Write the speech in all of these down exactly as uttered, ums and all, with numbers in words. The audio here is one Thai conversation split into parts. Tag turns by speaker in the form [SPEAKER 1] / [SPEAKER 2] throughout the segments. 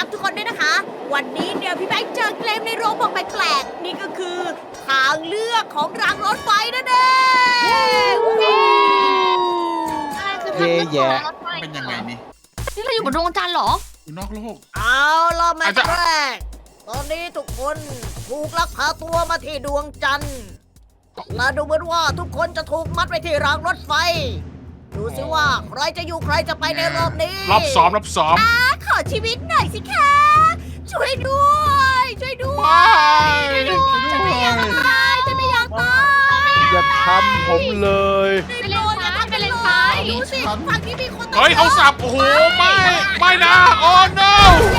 [SPEAKER 1] ทุกคนด้วยนะคะ วันนี้เนี่ยพี่แบงค์เจอเกมในโรงบอกแปลกๆนี่ก็คือทางเลือกของรางรถไฟนั่นเองวู้ฮู้
[SPEAKER 2] อะไรคือทางเลือกของรถไฟ
[SPEAKER 3] เป็นยังไงนี่
[SPEAKER 2] นี่เราอยู่บนดวงจันทร์เหรอ
[SPEAKER 3] อยู่นอกโลก
[SPEAKER 1] เอาล่ะแม่แรกตอนนี้ทุกคนถูกลักพาตัวมาที่ดวงจันทร์และดูเหมือนว่าทุกคนจะถูกมัดไว้ที่รางรถไฟ ดูสิว่าใครจะอยู่ใครจะไปในรอบนี้
[SPEAKER 4] รอบซ้อมรอบซ้อม
[SPEAKER 1] ขอชีวิตหน่อยสิคะ ช่วยด้วย ช่วยด้วย
[SPEAKER 4] ช่วยด้วย
[SPEAKER 1] ฉันไม่อยากตายฉันไม่อยากตาย
[SPEAKER 5] อย่าทำผมเลย
[SPEAKER 2] ไปเลนซ้ายไปเลนซ้าย
[SPEAKER 1] ดูสิฝั่งนี้มีคนตาย
[SPEAKER 4] เฮ้ยเขาสับโอ้โหไม่ไม่นะโอ้ no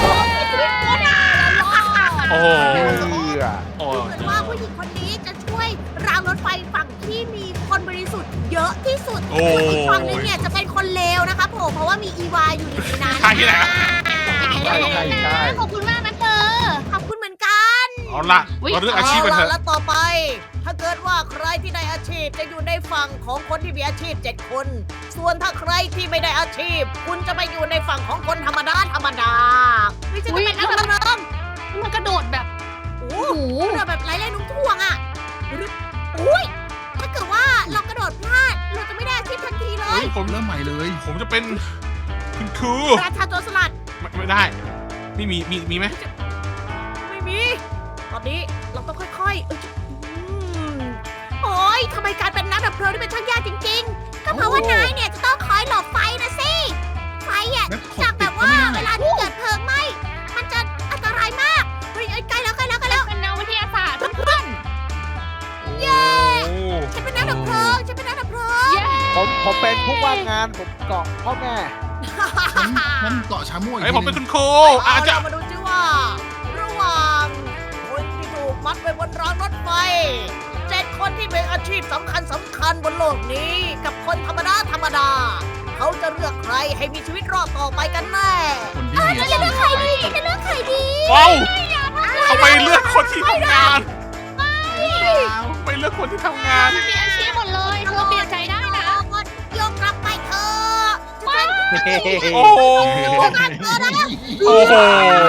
[SPEAKER 4] โอ้โห
[SPEAKER 5] เพื่อ
[SPEAKER 4] โอ้
[SPEAKER 1] เหมือนว่าผู้หญิงคนนี้จะช่วยรางรถไฟฝั่งที่มีคนบริสุทธิ์เยอะที่สุด
[SPEAKER 4] โอ้
[SPEAKER 1] อีกฝั่งนึงเนี่ยจะเป็นคนเลวนะคะผมเพราะว่ามีอีวาอยู่ในนั้น
[SPEAKER 4] ใช่ที่ไหนอะ
[SPEAKER 5] ใช่ใช่ใช่
[SPEAKER 2] ขอบคุณมากนะเธอ
[SPEAKER 1] ขอบคุณเหมือนกัน
[SPEAKER 4] เอาละเราเรื่องอาชีพกันเถ
[SPEAKER 1] เล่ะ
[SPEAKER 4] อะ
[SPEAKER 1] แล้วต่อไป ถ้าเกิดว่าใครที่ได้อาชีพจะอยู่ในฝั่งของคนที่มีอาชีพเจ็ดคน ส่วนถ้าใครที่ไม่ได้อาชีพ คุณจะไปอยู่ในฝั่งของคนธรรมดาธรรมดาไม่ใช่จะเป็นนักดำน้ำ
[SPEAKER 2] มันกระโดดแบบ
[SPEAKER 1] โอ้
[SPEAKER 2] โอ้โห
[SPEAKER 1] กระโดดแบบไร้แรงโน้มถ่วงอ่ะอุ้ยถ้าเกิดว่าเรากระโดดพลาดเราจะไม่ได้อาชีพทันทีเล
[SPEAKER 3] เฮ้
[SPEAKER 1] ย
[SPEAKER 3] ยผมเริ่มใหม่เลย
[SPEAKER 4] ผมจะเป็นคุณครู
[SPEAKER 1] ราชาโจรสลัด
[SPEAKER 4] ไม่ไม่ได้ไม่มีมีมีไหม
[SPEAKER 1] ไม่มี ตอนนี้เราต้องค่อยๆเอ้ยอืมโอ้ยทำไมการเป็นนักดับเพลิงนี่เป็นช่างยากจริงๆ ก็เพราะว่านายเนี่ยจะต้องคอยหลบไฟนะสิ ไฟอ่ะ
[SPEAKER 3] แล้วข
[SPEAKER 1] จาก
[SPEAKER 3] ด
[SPEAKER 1] แบ
[SPEAKER 3] ติด
[SPEAKER 1] บ
[SPEAKER 3] ก็
[SPEAKER 1] ว่า
[SPEAKER 3] ไม่
[SPEAKER 1] เว
[SPEAKER 3] ได้
[SPEAKER 1] ลาที่เกิดเพลิงไหม้ มันจะอันตรายมาก เฮ้ยเอ้ยใกล้แล้วใกล้แล้วใกล้แล้ว
[SPEAKER 2] เป็นแนววิทยาศาสตร์เพื่อน
[SPEAKER 1] เย้
[SPEAKER 4] โอ้
[SPEAKER 1] ฉันเป็นนักดับเพลิงฉันเป็นนักดับเพลิง
[SPEAKER 2] ๆเย้
[SPEAKER 5] ผมผมเป็นผู้ว่างงานผมเกาะพ่อแม่
[SPEAKER 3] นั่นเกาะชาม่วย
[SPEAKER 4] เฮ้ยผมเป็นคุณครู
[SPEAKER 1] เอา
[SPEAKER 4] อาจจะ
[SPEAKER 1] เรามาดูซิว่า ระหว่างคนที่ถูกมัดไว้บนรางรถไฟเจ็ดคนที่เป็นอาชีพสำคัญสำคัญบนโลกนี้ กับคนธรรมดาธรรมดา เขาจะเลือกใครให้มีชีวิตรอดต่อไปกันแน่
[SPEAKER 3] คนที่มีอาชีพ
[SPEAKER 1] ใครดีจะเลือกใครดี
[SPEAKER 4] ว้าวเขาไปเลือกคนที่ทำงานไปเลือกคนที่ทำงาน
[SPEAKER 2] มันมีอาชีพหมดเลยเธอเปลี่ยนใจได้นะ
[SPEAKER 1] ยกกลับไปเถอะฉัน
[SPEAKER 4] โอ้โห
[SPEAKER 1] เป็นเธอนะ
[SPEAKER 4] โอ้โห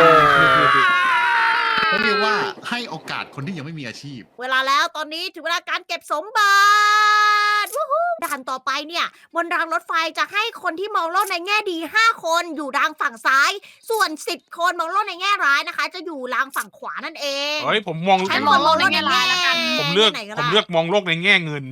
[SPEAKER 3] เขาเรียกว่าให้โอกาสคนที่ยังไม่มีอาชีพ
[SPEAKER 1] เวลาแล้วตอนนี้ถึงเวลาการเก็บสมบัติวู้ฮู้ด่านต่อไปเนี่ยบนรางรถไฟจะให้คนที่มองโลกในแง่ดีห้าคนอยู่รางฝั่งซ้าย ส่วนสิบคนมองโลกในแง่ร้ายนะคะ จะอยู่รางฝั่งขวานั่นเอง
[SPEAKER 4] เฮ้ยผมมอง
[SPEAKER 1] ฉัน
[SPEAKER 2] มองโลกในแง่ร้ายแล้วกัน
[SPEAKER 4] ผมเลือก
[SPEAKER 1] ไหน
[SPEAKER 4] ผม
[SPEAKER 1] ได้
[SPEAKER 4] เลือกมองโลกในแง่เงิน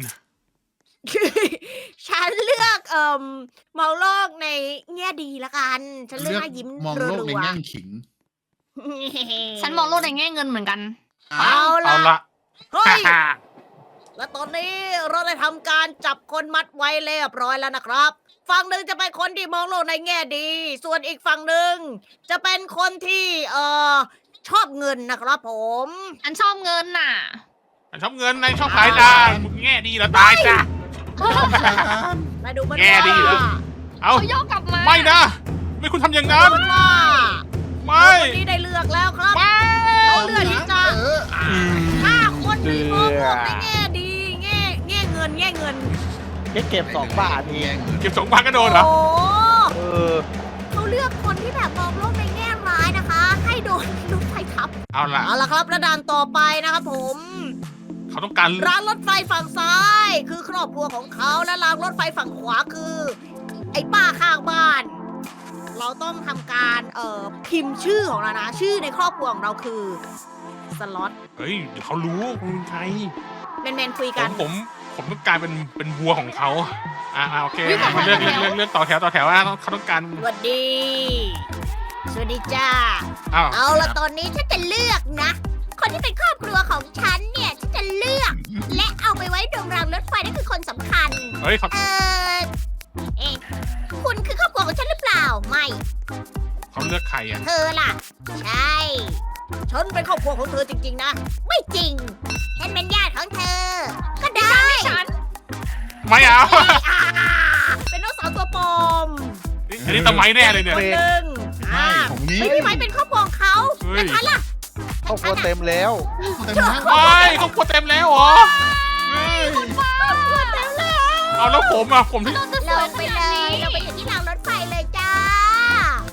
[SPEAKER 1] ฉันเลือกเอ่มมองโลกในแง่ดีละกัน ฉันเลือกหน้ายิ้ม
[SPEAKER 3] มองโลกในแง่ขิง
[SPEAKER 1] ๆ
[SPEAKER 2] ฉันมองโลกในแง่เงินเหมือนกัน
[SPEAKER 1] เอา
[SPEAKER 4] เอา
[SPEAKER 1] ละ
[SPEAKER 4] ละ
[SPEAKER 1] เฮ้ย และตอนนี้เราได้ทำการจับคนมัดไว้เรียบร้อยแล้วนะครับ ฝั่งหนึ่งจะเป็นคนที่มองโลกในแง่ดี ส่วนอีกฝั่งหนึ่งจะเป็นคนที่เอ่อชอบเงินนะครับผม
[SPEAKER 2] ฉันชอบเงินน่ะ
[SPEAKER 4] ชอบเงินในชอบขายดามึงแง่ดีแล้วตายจ้ะ
[SPEAKER 1] มาดูมัน
[SPEAKER 4] แง่ดีเหรอ
[SPEAKER 1] ว่า
[SPEAKER 4] เอา
[SPEAKER 2] เขาโยกกลับมา
[SPEAKER 4] ไม่นะ ไม่คุณทำอย่างนั้น
[SPEAKER 1] มันว่า
[SPEAKER 4] ไม่
[SPEAKER 1] คนนี้ได้เลือกแล้วครับ
[SPEAKER 4] ไม่
[SPEAKER 1] เขาเลือกที่จะ
[SPEAKER 3] เอออ่ะ
[SPEAKER 1] ฆ่าคนที่มองโลกในแง่ดี แง่แง่เงินแง่เงิน
[SPEAKER 5] แค่เก็บสองบาทเอง
[SPEAKER 4] เก็บสองพันก็โดนเหรอ
[SPEAKER 1] โอ้
[SPEAKER 5] เออ
[SPEAKER 1] เขาเลือกคนที่แบบมองโลกในแง่ร้ายนะคะ ให้โดนรถไฟทับ
[SPEAKER 4] เอาล่ะ
[SPEAKER 1] เอาละครับระดานต่อไปนะครับผม
[SPEAKER 4] เขาต้องการ
[SPEAKER 1] รางรถไฟฝั่งซ้าย คือครอบครัวของเขาและรางรถไฟฝั่งขวาคือ ไอ้ป้าข้างบ้าน เราต้องทำการเอ่อพิมพ์ชื่อของเรานะ ชื่อในครอบครัวของเราคือสล็อต
[SPEAKER 4] เฮ้ยเดี๋ยวเขารู้คุณใคร
[SPEAKER 1] เมนๆคุย
[SPEAKER 4] ผ
[SPEAKER 1] กัน
[SPEAKER 4] มผมผมต้องการเป็นเป็นวัวของเขาอ่าอ่าโอเค
[SPEAKER 2] อุ๊ยต่อแถว
[SPEAKER 4] เลือกเลือกเลือกเลือกต่อแถวต่อแถวนะเขาต้องการ
[SPEAKER 1] สวัสดี สวัสดีจ้า
[SPEAKER 4] อ้าว
[SPEAKER 1] เอาละตอนนี้ฉันจะเลือกนะ คนที่เป็นครอบครัวของฉันเนี่ยฉันจะเลือก และเอาไปไว้ตรงรางรถไฟนั่นคือคนสำคัญ
[SPEAKER 4] เฮ้ยเขา
[SPEAKER 1] เออเอ๊ะคุณคือครอบครัวของฉันหรือเปล่า ไม่
[SPEAKER 4] เขาเลือกใครอ่ะ
[SPEAKER 1] เธอล่ะ ใช่ ฉันเป็นครอบครัวของเธอจริงๆนะ ไม่จริง ฉันเป็นญาติของเธอ ก็ได้
[SPEAKER 2] ฉัน
[SPEAKER 4] ไม่เอา
[SPEAKER 1] อ่าเป็นน้องสาวตัวปลอม
[SPEAKER 4] อันนี้ทำไมแน่เลยเนี่ย
[SPEAKER 1] คนหนึ่ง
[SPEAKER 3] ใช่
[SPEAKER 1] อ่า
[SPEAKER 3] ผมนี้
[SPEAKER 1] ไม่พี่ไม้เป็นครอบครัวของเขา
[SPEAKER 4] เฮ้ย
[SPEAKER 1] แล้วฉันล่ะ
[SPEAKER 5] ครอบครัวเต็มแล้ว
[SPEAKER 3] เต็มแล้ว
[SPEAKER 4] ไม่เขากลัวเต็มแล้วเหรอ
[SPEAKER 3] เฮ้ย
[SPEAKER 1] ครอบครัวเต็มแล้ว
[SPEAKER 4] เอาแล้วผมอ่ะผมที่
[SPEAKER 2] เราจะส
[SPEAKER 1] ล
[SPEAKER 2] วย
[SPEAKER 1] ง
[SPEAKER 2] ข
[SPEAKER 1] ไป
[SPEAKER 2] นา
[SPEAKER 1] เล
[SPEAKER 2] ด
[SPEAKER 1] ย
[SPEAKER 2] นี้
[SPEAKER 1] เราไปอยู่ที่รางรถไฟเลยจ้าสิ
[SPEAKER 4] โอ้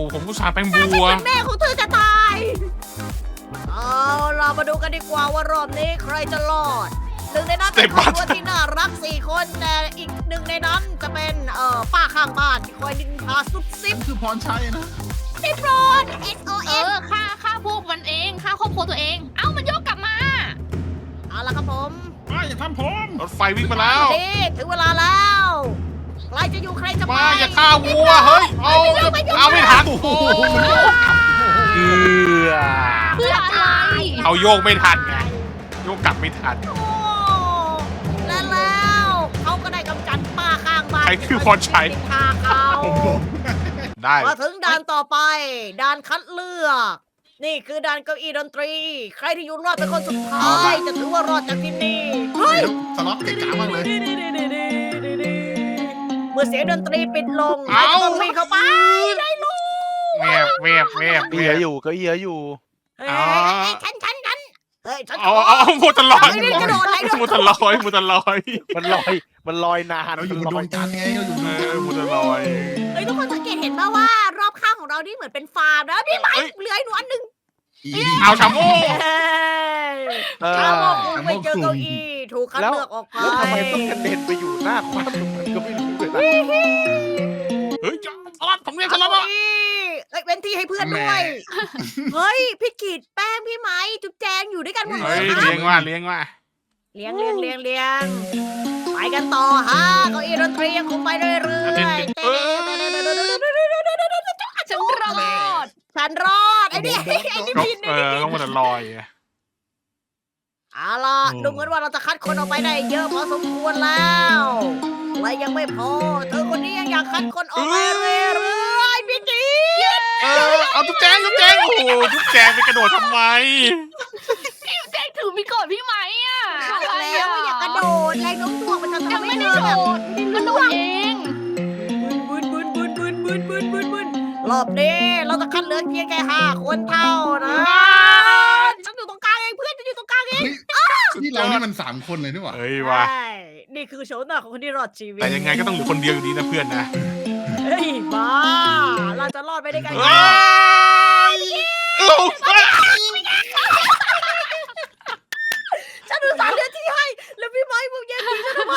[SPEAKER 4] ผมผู้ชายแป้ง
[SPEAKER 1] ฉั
[SPEAKER 4] บั
[SPEAKER 1] น
[SPEAKER 4] ว
[SPEAKER 1] เป็นแม่ของเธอจะตาย เอาเรามาดูกันดีกว่าว่ารอบนี้ใครจะรอด หนึ่งในนั้นเป็นครอบครัวที่น่ารักสี่คนแต่อีกหนึ่งในนั้นจะเป็นเอ่อป้าข้างบ้านที่คอยดินทาซุบซิบ
[SPEAKER 3] นั่นคือพรชัยนะ
[SPEAKER 1] ซิบโรน S O
[SPEAKER 2] เอ
[SPEAKER 1] S
[SPEAKER 2] อฆ่าฆ่าพวกมันเองฆ่าครอบครัวตัวเอง เอ้ามันโยกกลับมา
[SPEAKER 1] เอาละครับผม
[SPEAKER 3] ไม่อย่าทำผม
[SPEAKER 4] รถไฟวิ่งมาแล้ว
[SPEAKER 1] นี่ถึงเวลาแล้วใครจะอยู่ใครจะไป
[SPEAKER 4] มาอย่าฆ่าวัว เฮ้ย เอาเอาไม่ทัน
[SPEAKER 3] โอ้โห
[SPEAKER 5] เอือ
[SPEAKER 2] เพื่ออะไร
[SPEAKER 4] เอาโยกไม่ทันไง โยกกลับไม่ทัน
[SPEAKER 1] โอ้และแล้วเขาก็ได้กำจัดป้าข้างบ้าน
[SPEAKER 4] ใครคือพรชัย
[SPEAKER 1] ที่ทาเขา
[SPEAKER 3] ผมผม
[SPEAKER 4] ได้
[SPEAKER 1] มาถึงด่านต่อไป ด่านคัดเลือก นี่คือด่านเก้าอี้ดนตรี ใครที่อยู่รอดเป็นคนสุดท้ายจะถือว่ารอดจากที่นี่เฮ้ย
[SPEAKER 3] สล็อตเก่งมากเลย
[SPEAKER 1] เมื่อเสียงดนตรีปิดลง
[SPEAKER 4] เอ้า
[SPEAKER 1] ต้องวิ่งเข้าไปได้ลูก
[SPEAKER 4] แวบแวบแวบ
[SPEAKER 5] เอียอยู่ก็เอียอยู่
[SPEAKER 1] เฮ้ยเฮ้ยฉันฉันฉันเฮ้ยฉัน
[SPEAKER 4] เอาเอาเอาหมดตลอด
[SPEAKER 1] ไม่ได้กระโดดอะไรด้วย
[SPEAKER 4] หมดตลอดหมดตลอด
[SPEAKER 5] มันลอยมันลอยนาน
[SPEAKER 3] เราอยู่บนดวงจันทร์ไงเราอยู่บน
[SPEAKER 4] เอ
[SPEAKER 3] ดวงจันทร์
[SPEAKER 4] อหมดตลอด
[SPEAKER 1] เฮ้ยทุกคนสังเกตเห็นป่าว่ารอบข้างของเรานี่เหมือนเป็นฟาร์มแล้วพี่ไม้
[SPEAKER 4] เฮ้ย
[SPEAKER 1] เหลืออีกหนูอันหนึ่ง
[SPEAKER 3] อี
[SPEAKER 4] เอาชาโม่
[SPEAKER 1] เฮ้ย
[SPEAKER 5] เออ
[SPEAKER 1] ชาวโมกคุณไปเจอเก้าอี้ถูกคัดเลือกออกไป
[SPEAKER 5] แล้วทำไมต้องกระเด็นไปอยู่หน้าคว้าตรงนั้นก็ไม่รู้เลยนะ
[SPEAKER 4] เฮ้ยสลับผมเรียกสลับ
[SPEAKER 1] เก้า
[SPEAKER 4] อ่ะ
[SPEAKER 1] อี้เอ้ยเว้นที่ให้เพื่อนด้วย เฮ้ยพี่กีดแป้งพี่ไม้จุ๊บแจงอยู่ด้วยกันหมดเล
[SPEAKER 4] เฮ้ย
[SPEAKER 1] ยครั
[SPEAKER 4] เลี้
[SPEAKER 1] บ
[SPEAKER 4] ยงว่าเลี้ยงว่า
[SPEAKER 1] เลี้ยงเลี้ยงเลี้ยงเลี้ยงไปกันต่อฮะเก้าอี้ดนตรียังคงไปเรื่อยๆ
[SPEAKER 4] เออ
[SPEAKER 2] ฉันรอด
[SPEAKER 1] ฉันรอดไอ้นี่ไอ้นี่
[SPEAKER 4] ก็
[SPEAKER 1] พิน
[SPEAKER 4] เออต้องหมดตลอด
[SPEAKER 1] เอาล่ะดูเหมือนว่าเราจะคัดคนออกไปได้เยอะพอสมควรแล้วและยังไม่พอเธอคนนี้ยังอยากคัดคนออกไปเรื่อยๆพี่กีด
[SPEAKER 4] เออเอาทุกแจงทุกแจงโอ้โหทุกแจงไปกระโดดทำไม
[SPEAKER 2] แจ็คถือมีโกรธพี่ไหมอ่ะ
[SPEAKER 1] บอกแล้วว่าอย่ากระโดดแรงโน้มถ่วงมันจะ
[SPEAKER 2] ยัง
[SPEAKER 1] ทำให้
[SPEAKER 2] ไม่
[SPEAKER 1] เธ
[SPEAKER 2] ได้
[SPEAKER 1] อ
[SPEAKER 2] โด
[SPEAKER 1] แบบ
[SPEAKER 2] ดก็โดดเอง
[SPEAKER 1] บึนบึนบึนบึนบึนบึนบึนบึนรอบนี้เราจะคัดเหลือเพียงแค่ห้าคนเท่านะฉันอยู่ตรงกลางเองเพื่อนฉันอยู่ตรงกลางเอง
[SPEAKER 3] เฮ้ยนี่เรานี่มันสามคนเลยนี่หว่า
[SPEAKER 4] เฮ้ยว่ะ
[SPEAKER 1] ใช่นี่คือโฉมหน้าของคนที่รอดชีวิต
[SPEAKER 4] แต่ยังไงก็ต้องเหลือคนเดียวอยู่ดีนะเพื่อนนะ
[SPEAKER 1] เฮ้ยบ้าเราจะรอดไปได้ไง
[SPEAKER 4] เอ้ยเอ้า
[SPEAKER 1] ฉันดูสารเลือดที่ให้แล้วพี่ไม้มึงแย่งพี่ฉันทำไม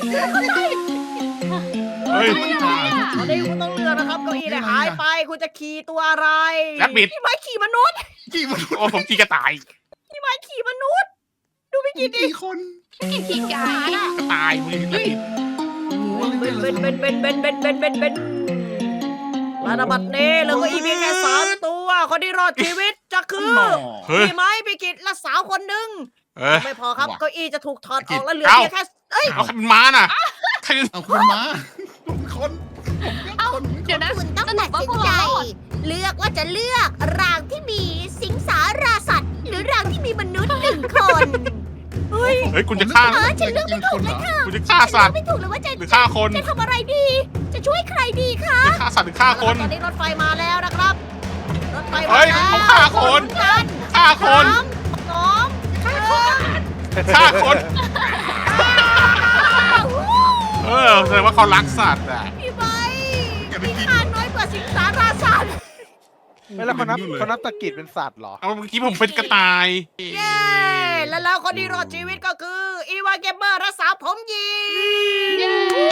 [SPEAKER 4] เฮ้ย
[SPEAKER 1] ตอนนี้คุณต้องเลือกนะครับเก้าอี้เนี่ยหายไปคุณจะขี่ตัวอะไร
[SPEAKER 4] แรบบิท
[SPEAKER 1] พี่ไม้ขี่มนุษย์
[SPEAKER 3] กี่มัน
[SPEAKER 4] โอ้ผมจีกระต่าย
[SPEAKER 1] พี่ไม้ขี่มนุษย์ ดูพี่กินดิ
[SPEAKER 3] กี่คน
[SPEAKER 2] กินขี้ไก่
[SPEAKER 4] กระต่ายมึงจะผิด
[SPEAKER 3] โอ้โห
[SPEAKER 1] เบนเบนเบนเบนเบนเบนเบนเบนเบนระดับบัดนี้เหลือเก็อีเพียงแค่สามตัวคนที่รอดชีวิตจะคือ
[SPEAKER 3] หน่อ
[SPEAKER 4] เฮ้ย
[SPEAKER 1] พี่ไม้พี่กิจและสาวคนหนึ่ง
[SPEAKER 4] เออ
[SPEAKER 1] ไม่พอครับ
[SPEAKER 3] ว่ะ
[SPEAKER 1] เก้าอี้จะถูกถอดออก
[SPEAKER 3] กิจ
[SPEAKER 1] แล้วเหลือ
[SPEAKER 4] เอ้า
[SPEAKER 1] เพียงแค่เอ้ย
[SPEAKER 4] เอาใครเป็นม้าน่ะใครเป็น
[SPEAKER 3] เอาคนมาคน
[SPEAKER 2] เอ้าเดี๋ยวนะ
[SPEAKER 1] คุณต้อง
[SPEAKER 2] สรุ
[SPEAKER 1] ตั
[SPEAKER 2] ป
[SPEAKER 1] ด
[SPEAKER 2] ว่า
[SPEAKER 1] สิ
[SPEAKER 2] พ
[SPEAKER 1] น
[SPEAKER 2] วก
[SPEAKER 1] ใจ
[SPEAKER 2] เรารอด
[SPEAKER 1] เลือกว่าจะเลือกรางที่มีสิงสาราสัตว์ หรือรางที่มีมนุษย์หนึ่งคนเฮ้ย
[SPEAKER 4] เฮ้ยคุณจะฆ่า
[SPEAKER 1] เออฉันเลือกไม่ถูกเลยค่ะ
[SPEAKER 4] คุณจะฆ่าสัตว์
[SPEAKER 1] ไม่ถูกเลยว่าจะ
[SPEAKER 4] หรือฆ่าคน
[SPEAKER 1] จะทำอะไรดี จะช่วยใครดีคะ
[SPEAKER 4] จะฆ่าสัตว์หรือฆ่าคน
[SPEAKER 1] ตอนนี้รถไฟมาแล้วนะครับ รถไฟ
[SPEAKER 4] เฮ้
[SPEAKER 1] มาย แล้ว
[SPEAKER 4] เขาฆ่าคน
[SPEAKER 1] กัน
[SPEAKER 4] ฆ่าคน
[SPEAKER 1] สามสองฆ่าคน
[SPEAKER 4] ฆ่าคน เออแสดงว่าเขารักสัตว์อ่ะ
[SPEAKER 1] พี่ใบ
[SPEAKER 3] อย่าไป
[SPEAKER 1] มี
[SPEAKER 3] กิน
[SPEAKER 1] ค่าน้อยกว่าสิงสาราสัตว์
[SPEAKER 5] ไม่แล้วเขานับเขานับตะกิดเป็นสัตว์เหรอ
[SPEAKER 4] เอาเมื่อกี้ผมเป็นกระต่าย
[SPEAKER 1] เย้ และแล้วคนที่รอดชีวิตก็คือ อีวาเกมเมอร์รักษาผมหยิง
[SPEAKER 2] เย้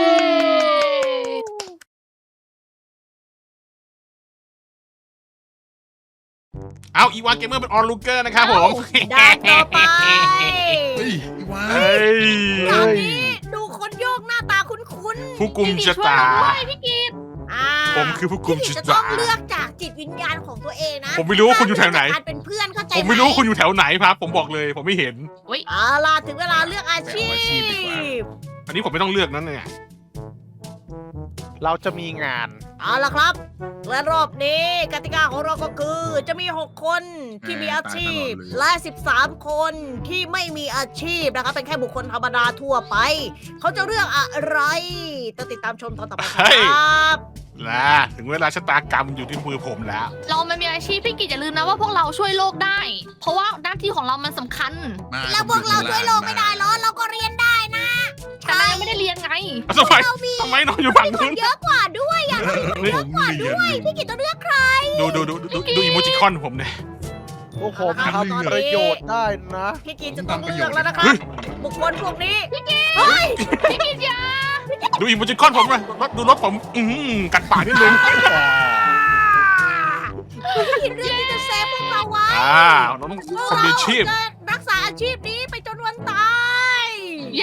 [SPEAKER 4] เอาอีวานเกมเมอร์เป็นออลลูเกอร์นะครับผม
[SPEAKER 1] ด่านต่อไป
[SPEAKER 3] เฮ้ยอีวา
[SPEAKER 4] เฮ้ย
[SPEAKER 1] ด่านนี้ดูคนโยกหน้าตาคุ้น
[SPEAKER 4] ผู้กุม
[SPEAKER 2] พี่
[SPEAKER 4] ชะ
[SPEAKER 2] ช่วย
[SPEAKER 4] ตา
[SPEAKER 2] เราด้วยพี่กิต
[SPEAKER 1] ๆอ่า
[SPEAKER 4] ผมคือผู้กุม
[SPEAKER 1] พี่
[SPEAKER 4] ชะ
[SPEAKER 1] จะต้
[SPEAKER 4] ตา
[SPEAKER 1] องเลือกจากจิตวิญญาณของตัวเองนะ
[SPEAKER 4] ผมไม่รู้ว่าคุณอยู่แถวไหน
[SPEAKER 1] การเป็นเพื่อนเข้าใจ
[SPEAKER 4] ผมไม่รู้ว่าคุณอยู่แถวไหนครับ ผมบอกเลย ผมไม่เห็น
[SPEAKER 1] เอาล่ะถึงเวลาเลือกอาชีพ
[SPEAKER 4] อันนี้ผมไม่ต้องเลือกนั่นเนี่ย
[SPEAKER 5] เราจะมีงาน
[SPEAKER 1] เอาล่ะครับ และรอบนี้กติกาของเราก็คือ จะมี หก คนที่มีอาชีพ และ สิบสาม คนที่ไม่มีอาชีพนะครับ เป็นแค่บุคคลธรรมดาทั่วไป เขาจะเลือกอะไรต้องติดตามชมตอนต่อไปครับ
[SPEAKER 4] และถึงเวลาชะตากรรมอยู่ที่มือผมแล้ว
[SPEAKER 2] เรามันมีอาชีพพี่กิตอย่าลืมนะว่าพวกเราช่วยโลกได้ เพราะว่าหน้าที่ของเรามันสำคัญ
[SPEAKER 3] มา
[SPEAKER 1] แล้วพวกเราช่วยโลกไม่ได้เหรอ เราก็เรียนได้นะ
[SPEAKER 2] แต่นายยังไม่ได้เรียนไง
[SPEAKER 4] เอาทำไมทำไมนอนอยู่ฝั่ง
[SPEAKER 1] มีค
[SPEAKER 4] นู้
[SPEAKER 1] น
[SPEAKER 4] น
[SPEAKER 1] เยอะกว่าด้วยอ่ะ
[SPEAKER 3] เยอะกว่าด้วย
[SPEAKER 1] พี่กิตต้องเลือกใคร
[SPEAKER 4] ดูดูดูดูดูอีโมจิคอนผมเนี่ย
[SPEAKER 5] พวกผม
[SPEAKER 1] เอาละครับ
[SPEAKER 5] ทำประโยชน์ได้นะ
[SPEAKER 1] พี่กิตจะต้องเลือกแล้วนะครับบุคคลพวกนี้พี่กิตเฮ้ย
[SPEAKER 2] พี่กินยา
[SPEAKER 4] ดูอีโมจิคอนผมเลยรถดูรถผม อืมกัดปากนิดนึง
[SPEAKER 1] พี่กิตเลือกที่จะเซฟพวกเราไว้
[SPEAKER 4] อ่าเราต้อง
[SPEAKER 1] พวก
[SPEAKER 4] ทำ
[SPEAKER 1] เรา
[SPEAKER 4] อาชีพ
[SPEAKER 1] จะรักษาอาชีพนี้ไปจนวันตาย
[SPEAKER 2] เย้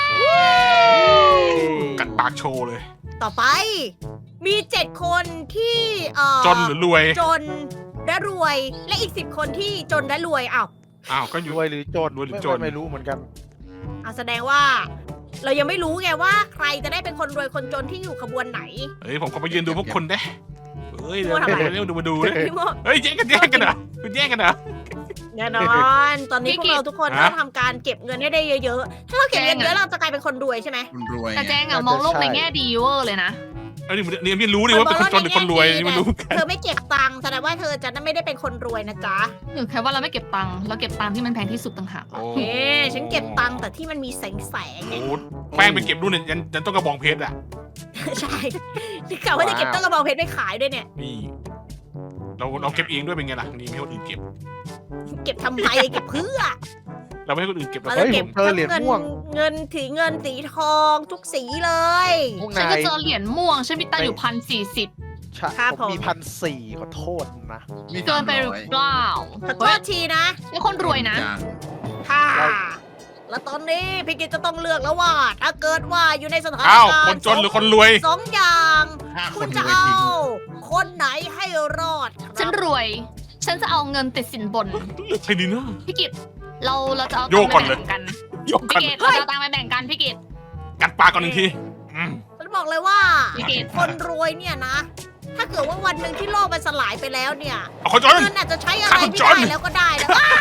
[SPEAKER 4] กัดปากโชว์เลย
[SPEAKER 1] ต่อไป มีเจ็ดคนที่เอ่อ
[SPEAKER 4] จนหรือรวย
[SPEAKER 1] จนและรวย และอีกสิบคนที่จนและรวยอ้าว
[SPEAKER 4] อ้าวก็อยู่
[SPEAKER 5] รวยหรือจน
[SPEAKER 4] รวยหรือ
[SPEAKER 5] ไม่
[SPEAKER 4] จน
[SPEAKER 5] ไม่รู้เหมือนกัน
[SPEAKER 1] เอาแสดงว่า เรายังไม่รู้ไงว่าใครจะได้เป็นคนรวยคนจนที่อยู่ขบวนไหน
[SPEAKER 4] เฮ้ยผมขอไปยืนดูพวกคุณได้เฮ้ย
[SPEAKER 1] กลั
[SPEAKER 4] เดี๋ยว
[SPEAKER 1] วทำไม
[SPEAKER 4] เดี๋ยวดูมาดูเลย
[SPEAKER 1] พี่โม
[SPEAKER 4] เฮ้ยแย่งกันแย่งกันเหรอคุณแย่งกันเหรอ
[SPEAKER 1] แน่นอน ตอนนี้พวกเราทุกคน
[SPEAKER 4] ฮะ
[SPEAKER 1] ต้องทำการเก็บเงินให้ได้เยอะๆ ถ้าเราเก็บเงินเยอะเราจะกลายเป็นคนรวยใช่ไหม
[SPEAKER 3] คุณรวย
[SPEAKER 2] แต่แจงอะมองโลกในแง่ดีเวอร์เลยนะ
[SPEAKER 4] เอ้ยนี่มันนี่มันรู้ดิว่าเป็นคนจนหรือคนรวยนี่มันรู้กัน
[SPEAKER 1] เธอไม่เก็บตังค์แสดงว่าเธอจะไม่ได้เป็นคนรวยนะจ๊ะ
[SPEAKER 2] หรือแค่ว่าเราไม่เก็บตังค์เราเก็บตังค์ที่มันแพงที่สุดต่างหาก
[SPEAKER 4] โอ้
[SPEAKER 1] เอ๊ะฉันเก็บตังค์แต่ที่มันมีแสงแสง
[SPEAKER 4] โห
[SPEAKER 1] เนี่ย
[SPEAKER 4] แป้งไปเก็บนู่นเนี่ยยันยันต้องกระบองเพชรอ่ะ
[SPEAKER 1] ใช่ที่กล่าวว่าจะเก็บต้นกระบองเพชรไปขายด้วยเนี่ย
[SPEAKER 4] นี่ เราเราเก็บเองด้วยเป็นไงล่ะนี่ไม่ให้คนอื่นเก็บ
[SPEAKER 1] เก็บทำไมเก็บเพื่อ
[SPEAKER 4] เราไม่ให้คนอื่นเก็บเรา
[SPEAKER 1] เรา
[SPEAKER 4] ก็
[SPEAKER 1] จะ
[SPEAKER 4] เก็
[SPEAKER 1] เก็
[SPEAKER 4] บบ
[SPEAKER 5] เจอเหรียญ
[SPEAKER 1] ทั้ง
[SPEAKER 5] ม่วง
[SPEAKER 1] เงินสีเงินสีทองทุกสีเลย
[SPEAKER 5] พวก
[SPEAKER 2] ฉัน
[SPEAKER 5] นา
[SPEAKER 2] ก็
[SPEAKER 5] ย
[SPEAKER 2] เจอเหรียญม่วงฉันมีตังค์อยู่พันสี่สิบ
[SPEAKER 5] ใช่
[SPEAKER 1] ครับ
[SPEAKER 5] ผม
[SPEAKER 1] ผม
[SPEAKER 5] มีพันสี่ขอโทษนะ
[SPEAKER 3] มี
[SPEAKER 2] เกินไปหรือเปล่า
[SPEAKER 1] ขอโท
[SPEAKER 2] เฮ้ย
[SPEAKER 1] ษทีนะ
[SPEAKER 2] นี่คนรวยนะ
[SPEAKER 3] อย่าง
[SPEAKER 1] ค่ะ แล้วตอนนี้พี่กิจจะต้องเลือกแล้วว่า ถ้าเกิดว่าอยู่ในสถาน
[SPEAKER 4] อ้าว
[SPEAKER 1] การณ์
[SPEAKER 4] คนจนหรือคนรวย
[SPEAKER 1] สองอย่าง
[SPEAKER 3] ห้าค
[SPEAKER 1] คุ
[SPEAKER 3] น
[SPEAKER 1] ณ
[SPEAKER 3] ร
[SPEAKER 1] จะ
[SPEAKER 3] วย
[SPEAKER 1] เอา
[SPEAKER 3] ทิ้ง
[SPEAKER 1] คนไหนให้รอดครับ
[SPEAKER 2] ฉันรวย ฉันจะเอาเงินติดสินบน
[SPEAKER 4] ใช่ดีนะ
[SPEAKER 2] พี่กิตเราเราจะเอา
[SPEAKER 4] โย
[SPEAKER 2] ตัง
[SPEAKER 4] ก
[SPEAKER 2] ค์
[SPEAKER 4] ก่
[SPEAKER 2] ไป
[SPEAKER 4] อนเลย
[SPEAKER 2] แบ่งกัน
[SPEAKER 4] ยก
[SPEAKER 2] พี่
[SPEAKER 4] กัน
[SPEAKER 2] กิตเราจะเอาตังค์ไปแบ่งกันพี่กิต
[SPEAKER 4] กัดปากก่อนหนึ่งทีอืม
[SPEAKER 1] ฉันบอกเลยว่า
[SPEAKER 2] พี่กิต
[SPEAKER 1] คนรวยเนี่ยนะ ถ้าเกิดว่าวันหนึ่งที่โลกมันสลายไปแล้วเนี่ย
[SPEAKER 4] เอาคนจน
[SPEAKER 1] เงินอาจจะใช้อะไร
[SPEAKER 4] ข้า
[SPEAKER 1] ไม่
[SPEAKER 4] จ
[SPEAKER 1] ได้
[SPEAKER 4] น
[SPEAKER 1] แล้วก็ได้แล้วอ้า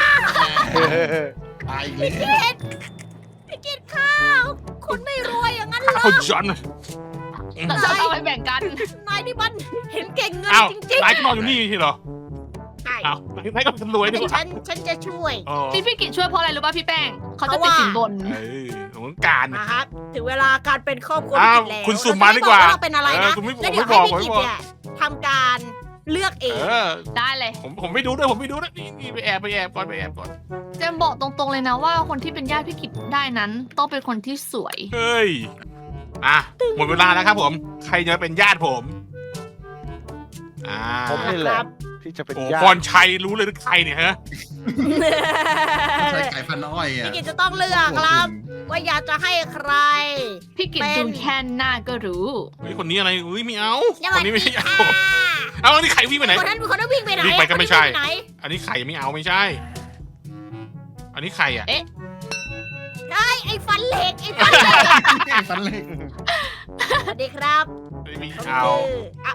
[SPEAKER 3] ตายเลย
[SPEAKER 1] พี่กิจข้าวคุณไม่รวยอย่างนั้นเหรอ
[SPEAKER 4] คนจน
[SPEAKER 2] เราจะเอาไปแบ่งกัน
[SPEAKER 1] นายนี่มันเห็นเก่งเงิน
[SPEAKER 4] อ้าว
[SPEAKER 1] จริง
[SPEAKER 4] นายก็นอนอยู่นี่ใช่เหรอ
[SPEAKER 1] ๆใช่
[SPEAKER 4] อ้าว นายก็เป็นรวยดีกว่า
[SPEAKER 1] ฉันฉันจะช่วย
[SPEAKER 4] อ๋อ
[SPEAKER 2] ที่พี่กิตช่วยเพราะอะไรรู้ป่ะพี่แป้ง เขาจะ
[SPEAKER 1] เพ
[SPEAKER 2] ติด
[SPEAKER 1] ราะว่า
[SPEAKER 2] สินบน
[SPEAKER 4] เออของการ
[SPEAKER 1] นะครับถึงเวลาการเป็นครอบครัว
[SPEAKER 4] อ้าว
[SPEAKER 1] พี่กิจแล้ว
[SPEAKER 4] คุณสุ่มมาดีกว่า
[SPEAKER 1] เรจะไบอกเราเป็นอะไร
[SPEAKER 4] เอ
[SPEAKER 1] นะ
[SPEAKER 4] อคุณไม่
[SPEAKER 1] แล้วเดี๋ยว
[SPEAKER 4] ผมไม่
[SPEAKER 1] ให้
[SPEAKER 4] บอก
[SPEAKER 1] พี่กิจ
[SPEAKER 4] ผมไม่บอก
[SPEAKER 1] เนี่ยทำการเลือกเอง
[SPEAKER 4] เออ
[SPEAKER 2] ได้เลย
[SPEAKER 4] ผมผมไม่ดูด้วยผมไม่ดูนะนี่นี่ไปแอบไปแอบก่อนไปแอบก่อน
[SPEAKER 2] เจมบอกตรงๆเลยนะว่าคนที่เป็นญาติพี่กิตได้นั้น ต้องเป็นคนที่สวย
[SPEAKER 4] เฮ้ย อ่ะ หมดเวลาแล้วครับผม ใครจะเป็นญาติผม อ่า
[SPEAKER 5] ผมนี่แหละที่จะเป็น
[SPEAKER 4] โอ้
[SPEAKER 5] ญา
[SPEAKER 4] พร
[SPEAKER 5] ติ
[SPEAKER 4] ชัยรู้เลยหรือใครเนี่ยฮะ
[SPEAKER 3] ใช้ไก่พันอ้อยอ่ะ
[SPEAKER 1] พี่กิจจะต้องเลือกครับ ว่าอยากจะให้ใคร
[SPEAKER 2] พี่กิต
[SPEAKER 1] เป็น
[SPEAKER 2] ดูแค่หน้าก็รู้
[SPEAKER 4] เฮ้ย คนนี้อะไรอุ้ยไม่เอา
[SPEAKER 1] ส
[SPEAKER 4] ค
[SPEAKER 1] วัน ส
[SPEAKER 4] นี้ไม่
[SPEAKER 1] ดี
[SPEAKER 4] ใช่ญาติ
[SPEAKER 1] ค่ะ
[SPEAKER 4] ผมเอาอันนี้ใครวิ่งไปไหน
[SPEAKER 1] คนนั้นคนนั้นวิ่งไปไหน
[SPEAKER 4] วิ่งไปก็ไม่ใช่
[SPEAKER 1] คนนี้วิ่งปไหน
[SPEAKER 4] อันนี้ใครไม่เอาไม่ใช่ อันนี้ใครอ่ะ
[SPEAKER 2] เอ๊ะ
[SPEAKER 1] ไอ้ไอ้ฟันเหล็กไอ้ฟันเหล็ก
[SPEAKER 3] ไก่ฟันเล็ก
[SPEAKER 1] สวัสดีครับ
[SPEAKER 4] ไม่มี
[SPEAKER 1] ผม
[SPEAKER 4] เอา
[SPEAKER 1] คืออ่ะ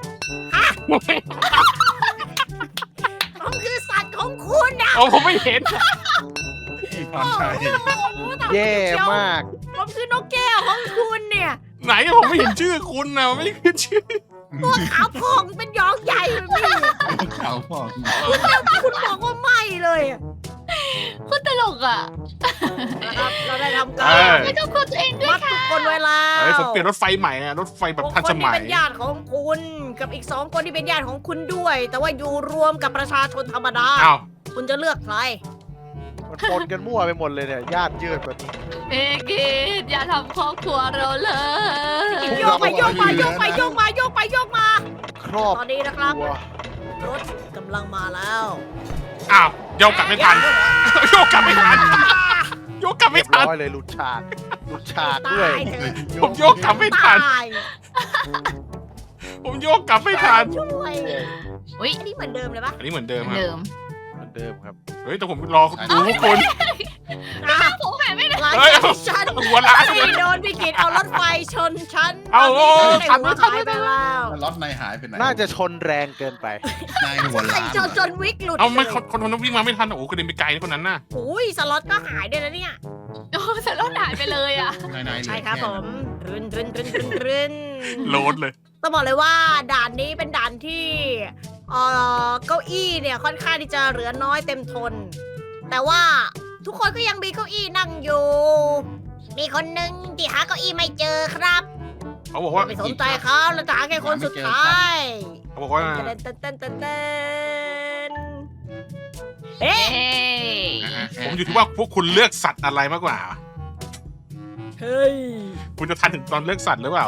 [SPEAKER 1] ผมคือสัตว์ของคุณนะ
[SPEAKER 4] เอาผมไม่เห็น
[SPEAKER 3] ไอ้ฟันชัย
[SPEAKER 1] โอ้โหแต่ผม
[SPEAKER 5] แย่
[SPEAKER 1] เชียว
[SPEAKER 5] มาก
[SPEAKER 1] ผมคือนกแก้วของคุณเนี่ย
[SPEAKER 4] ไหนอะผมไม่เห็นชื่อคุณนะไม่ขึ้นชื่อ
[SPEAKER 1] ตัวขาวพองเป็นยองใหญ่เลยพี่
[SPEAKER 3] เขาบอก
[SPEAKER 1] คุณบอกว่าไม่เลยอะ
[SPEAKER 2] คุณตลกอ่ะ
[SPEAKER 1] นะครับเราได้ทำ
[SPEAKER 4] เอ
[SPEAKER 1] การ
[SPEAKER 4] อ
[SPEAKER 2] ไม่ต้องกลัวตัวเองด้วย
[SPEAKER 1] มัดทุกคนไว้แล้ว
[SPEAKER 4] เฮ้ยผมเปลี่ยนรถไฟใหม่อะรถไฟแบบทัน
[SPEAKER 1] ค
[SPEAKER 4] ส
[SPEAKER 1] นที่
[SPEAKER 4] มัย
[SPEAKER 1] เป็นญาติของคุณ กับอีกสองคนที่เป็นญาติของคุณด้วย แต่ว่าอยู่รวมกับประชาชนธรรมดา
[SPEAKER 4] อ้าว
[SPEAKER 1] คุณจะเลือกใคร
[SPEAKER 5] มันปนกันมั่วไปหมดเลยเนี่ยญาติยืดแบบนี้
[SPEAKER 2] เอกกิตอย่าทำครอบครัวเราเลย
[SPEAKER 1] โยกไปโยกมาโยกไปโยกมาโยกไปโยกมา
[SPEAKER 5] ครอบ
[SPEAKER 1] ตอนนี้นะครับ
[SPEAKER 5] ครัว
[SPEAKER 1] รถกำลังมาแล้ว
[SPEAKER 4] อ้าวโยกกลับไม่ทันโยกกลับไม่ทันโยกกลับ
[SPEAKER 5] เรี
[SPEAKER 4] ไม่
[SPEAKER 5] ยบ
[SPEAKER 4] ทัน
[SPEAKER 5] ร้อยเลยหลุดฉากหลุดฉากด้วย
[SPEAKER 1] ตายเถอะ
[SPEAKER 4] ผมโยกกลับไม่ทัน
[SPEAKER 1] ตาย
[SPEAKER 4] ผมโยกกลับไม่ทัน
[SPEAKER 1] ช่วย
[SPEAKER 2] อุ้ย
[SPEAKER 1] อันนี้เหมือนเดิมเลยปะ
[SPEAKER 4] อันนี้เหมือนเดิมครับ
[SPEAKER 2] เดิม
[SPEAKER 5] เหมือนเดิมครับ
[SPEAKER 4] เฮ้ยแต่ผมรอดูพวกคุณ
[SPEAKER 1] อ่ะ
[SPEAKER 2] ผมหายไม่ได้
[SPEAKER 1] หลัง
[SPEAKER 4] เฮ้ย
[SPEAKER 1] จากที่ฉัน
[SPEAKER 4] หัวล้านเลย
[SPEAKER 1] ไม่โดนพี่กิตเอารถไฟชนฉัน
[SPEAKER 4] เอา
[SPEAKER 1] ตอนนี้
[SPEAKER 4] ทั
[SPEAKER 1] ฉั
[SPEAKER 4] น
[SPEAKER 1] น
[SPEAKER 4] ไม่ทัน
[SPEAKER 1] ได้หัวหายไปแล้ว
[SPEAKER 3] ล็อตนายหายไปไหน
[SPEAKER 5] น่าจะชนแรงเกินไป
[SPEAKER 3] นายหัว
[SPEAKER 1] ใคร
[SPEAKER 3] ล้าน
[SPEAKER 1] จนจนวิกหลุด
[SPEAKER 4] เอาไม่คนคนคนนั้นวิ่งมาไม่ทันโอ้โหกระเด็นไปไกลนะคนนั้นน่ะ
[SPEAKER 1] โอ้ยสล็อตก็หายด้วยนะเนี่ย
[SPEAKER 2] โอ้แต่เราหายไปเลยอ่ะ
[SPEAKER 3] นายนายเหลือ
[SPEAKER 1] ใช่ครับ
[SPEAKER 3] แ
[SPEAKER 1] ผมรึนรึนรึนรึนรึน
[SPEAKER 4] โหลดเลย
[SPEAKER 1] ต้องบอกเลยว่าด่านนี้เป็นด่านที่เอ่อเก้าอี้เนี่ยค่อนข้างที่จะเหลือน้อยเต็มทน แต่ว่าทุกคนก็ยังมีเก้าอี้นั่งอยู่มีคนหนึ่งที่หาเก้าอี้ไม่เจอครับ
[SPEAKER 4] เขาบอกว่า
[SPEAKER 1] ไม่สนใจเขาเราจะหาแค่คนสุดท้าย
[SPEAKER 4] เขาบอกว่า
[SPEAKER 1] เต้นเต้นเต้นเต้นเต้นเอ๊ะ
[SPEAKER 2] เอ้ย
[SPEAKER 4] ผมอยู่ที่ว่าพวกคุณเลือกสัตว์อะไรมากกว่า
[SPEAKER 1] เฮ้ย
[SPEAKER 4] คุณจะทันถึงตอนเลือกสัตว์หรือเปล่า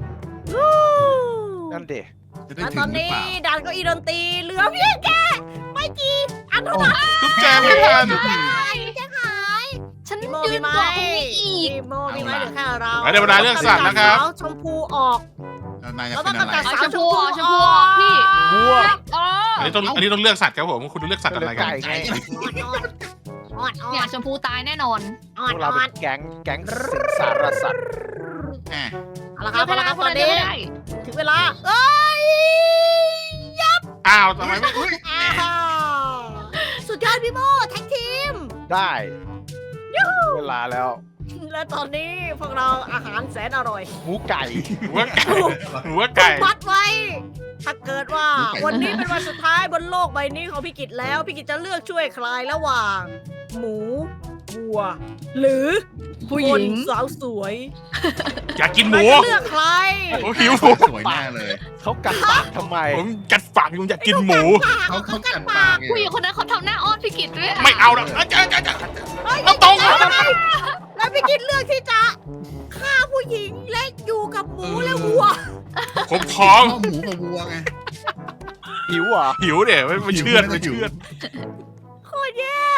[SPEAKER 5] นั่นเด็
[SPEAKER 3] จะได้
[SPEAKER 1] แล้ว
[SPEAKER 3] ถึ
[SPEAKER 1] ตอง น
[SPEAKER 3] หรือ
[SPEAKER 1] นี้
[SPEAKER 3] เปล่า
[SPEAKER 1] ด่านเก้าอี้ดนตรีเหลือเพียงแค่ไม่กี่อันเท่านั้น
[SPEAKER 4] ทุกแจงไม่ทัน
[SPEAKER 1] แจ้งหาย
[SPEAKER 2] ฉัน
[SPEAKER 1] พี่โม
[SPEAKER 2] ยื
[SPEAKER 1] พี่
[SPEAKER 2] น
[SPEAKER 1] ไม้
[SPEAKER 2] กว่าพวกนี้อีก
[SPEAKER 1] พี่โมพี่ไม้เหลือแค่เรา
[SPEAKER 4] เดี๋ยวเวลาเลือกสัตว์นะครับ
[SPEAKER 1] เอาชมพูออก
[SPEAKER 3] แล้วนายจะ
[SPEAKER 1] เรา
[SPEAKER 3] เป็
[SPEAKER 1] ต้อน ง
[SPEAKER 3] อะไร
[SPEAKER 1] กำจัด
[SPEAKER 2] เอา
[SPEAKER 1] สาว
[SPEAKER 2] ชมพูออกชมพูออกพี่
[SPEAKER 5] วัว
[SPEAKER 2] อ๋อ
[SPEAKER 4] อันนี้ต้องอันนี้ต้องเลือกสัตว์ครับผมคุณเลือกสัตว์อะไรกัน
[SPEAKER 5] ไก่ไง
[SPEAKER 1] อ่อนอ่อน
[SPEAKER 2] เนี่ยชมพูตายแน่นอน
[SPEAKER 1] อ่
[SPEAKER 5] พ
[SPEAKER 1] อน
[SPEAKER 5] วกเรา
[SPEAKER 1] อ่อ
[SPEAKER 5] เป็น นแก๊งแก๊งสิงสารสัตว์
[SPEAKER 3] แหม
[SPEAKER 1] เอาละครับเอาละครับ
[SPEAKER 2] ค
[SPEAKER 1] ตอน
[SPEAKER 2] เดียว
[SPEAKER 1] นี้
[SPEAKER 2] ไม่ได้
[SPEAKER 1] ถึงเวลาเอ้ย
[SPEAKER 4] อ้าวทำไมไม่อุ๊ย
[SPEAKER 1] อ้าวสุดยอดพี่โมแท็กทีม
[SPEAKER 5] ได้เวลาแล้ว
[SPEAKER 1] และตอนนี้พวกเราอาหารแสนอร่อย
[SPEAKER 5] หมูไก่
[SPEAKER 4] หัวไก่หัวไก่
[SPEAKER 1] มัดไว้ ถ้าเกิดว่าวันนี้เป็นวันสุดท้ายบนโลกใบนี้ของพี่กิจแล้ว พี่กิจจะเลือกช่วยใครระหว่าง หมูวัว หรือ
[SPEAKER 2] ผู้หญิง
[SPEAKER 1] คนสาวสวย
[SPEAKER 4] อยากกินหมู
[SPEAKER 1] เราจะเลือกใคร
[SPEAKER 4] ผมหิว
[SPEAKER 3] สวยแน่เลย
[SPEAKER 5] เขากัดปากทำไม
[SPEAKER 4] ผมกัดฝากอยู่อยากกินหมู
[SPEAKER 3] เขาเขากัดปากไง
[SPEAKER 2] ผู้หญิงคนนั้นเขาทำหน้าอ้อนพี่กิตด้วยะ
[SPEAKER 4] ไม่เอาแล้วเอ้ยเจ้าเจ้าเจ้า
[SPEAKER 1] เฮ้ย
[SPEAKER 4] เอาตรง
[SPEAKER 1] แล้วพี่กิจเลือกที่จะฆ่าผู้หญิงและอยู่กับหมูและวัว
[SPEAKER 4] ผมท้อง
[SPEAKER 3] ข้าวหมูกับวัวไง
[SPEAKER 5] หิวเหรอ
[SPEAKER 4] หิวเนี่ยไม่ไม่เชื่อด
[SPEAKER 3] หิว
[SPEAKER 4] ไม่เชื่อด
[SPEAKER 1] โคตรแย่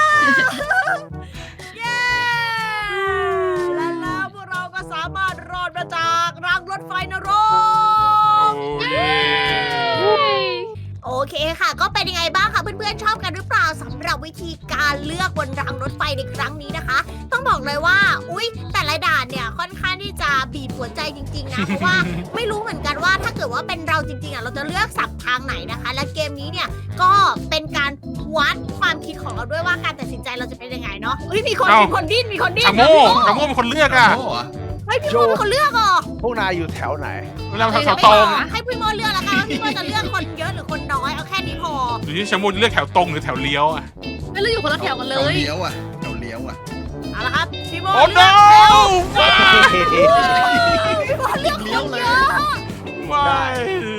[SPEAKER 1] แย่และแล้วพวกเราก็สามารถรอดมาจากรางรถไฟนร
[SPEAKER 4] โอ้
[SPEAKER 1] ก
[SPEAKER 4] เย้
[SPEAKER 1] โอเคค่ะ ก็เป็นยังไงบ้างคะเพื่อนๆชอบกันหรือเปล่าสำหรับวิธีการเลือกบนรางรถไฟในครั้งนี้นะคะ ต้องบอกเลยว่า อุ๊ย แต่ละด่านเนี่ยค่อนข้างที่จะบีบหัวใจจริงๆนะ เพราะว่าไม่รู้เหมือนกันว่าถ้าเกิดว่าเป็นเราจริงๆอ่ะเราจะเลือกสับทางไหนนะคะ และเกมนี้เนี่ยก็เป็นการวัดความคิดของเราด้วยว่าการตัดสินใจเราจะเป็นยังไงเนาะเฮ้ยมีคนมีคนดิ้นมีคนดิ้น
[SPEAKER 4] ชาโม่ชาโม่เป็นคนเลือกอ่ะ
[SPEAKER 3] โอ้โห
[SPEAKER 1] เฮ้ยพี่โมเป็นคนเลือกเหรอ
[SPEAKER 5] พวกนายอยู่แถวไหน
[SPEAKER 4] เวลาแถวตรง
[SPEAKER 1] ให้พี่โมเลือกแล้วกันว่าพี่โมจะเลือกคนเยอะหรือคนน้อยเอาแค่นี้พอ
[SPEAKER 4] อยู่ที่ชาโม่เลือกแถวตรงหรือแถวเลี้ยวอ่ะ
[SPEAKER 2] ไม่เราอยู่คนละแถวกันเล
[SPEAKER 3] เจ้าย เลี้ยวอ่ะเจ้าเลี้ยวอ่ะ
[SPEAKER 1] เอาละครับพี่โม
[SPEAKER 4] โอ้
[SPEAKER 1] เลื
[SPEAKER 4] no
[SPEAKER 1] อกพี่โมเลือกคนเยอะ
[SPEAKER 4] ไม่